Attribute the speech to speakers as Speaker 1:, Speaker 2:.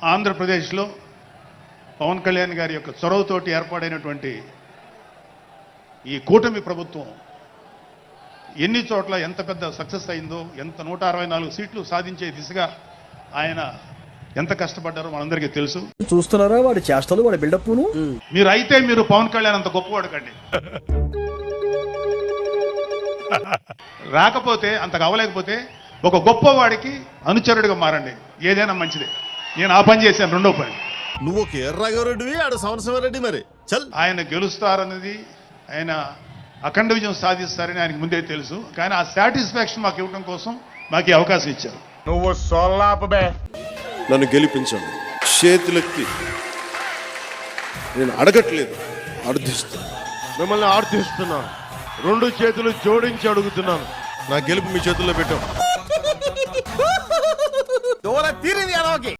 Speaker 1: ఆంధ్రప్రదేశ్లో పవన్ కళ్యాణ్ గారి యొక్క చొరవతోటి ఏర్పాడైనటువంటి ఈ కూటమి ప్రభుత్వం ఎన్ని చోట్ల ఎంత పెద్ద సక్సెస్ అయిందో, ఎంత 164 సీట్లు సాధించే దిశగా ఆయన ఎంత కష్టపడ్డారో మనందరికీ తెలుసు.
Speaker 2: చూస్తున్నారా వాడి చేష్టలు, వాడి బిల్డప్.
Speaker 1: మీరు పవన్ కళ్యాణ్ అంత గొప్పవాడు కండి. రాకపోతే అంత కావలేకపోతే ఒక గొప్పవాడికి అనుచరుడిగా మారండి, ఏదైనా మంచిదే. నేను ఆ పని చేశాను. రెండో పని,
Speaker 3: నువ్వు ఒక ఎర్రగారెడ్డివి, ఆడ సంవత్సరం మరి చల్.
Speaker 1: ఆయన గెలుస్తారన్నది, ఆయన అఖండ విజయం సాధిస్తారని ఆయనకు ముందే తెలుసు. కానీ ఆ సాటిస్ఫాక్షన్ మాకు ఇవ్వడం కోసం మాకు ఈ అవకాశం ఇచ్చారు.
Speaker 4: నువ్వు సొల్లాపబే.
Speaker 3: నన్ను గెలిపించండి. చేతులెత్తి నేను అడగట్లేదు, అర్థిస్తాను.
Speaker 4: మిమ్మల్ని ఆర్థిస్తున్నాను, 2 చేతులు జోడించి అడుగుతున్నాను.
Speaker 3: నా గెలుపు మీ చేతుల్లో పెట్టాం.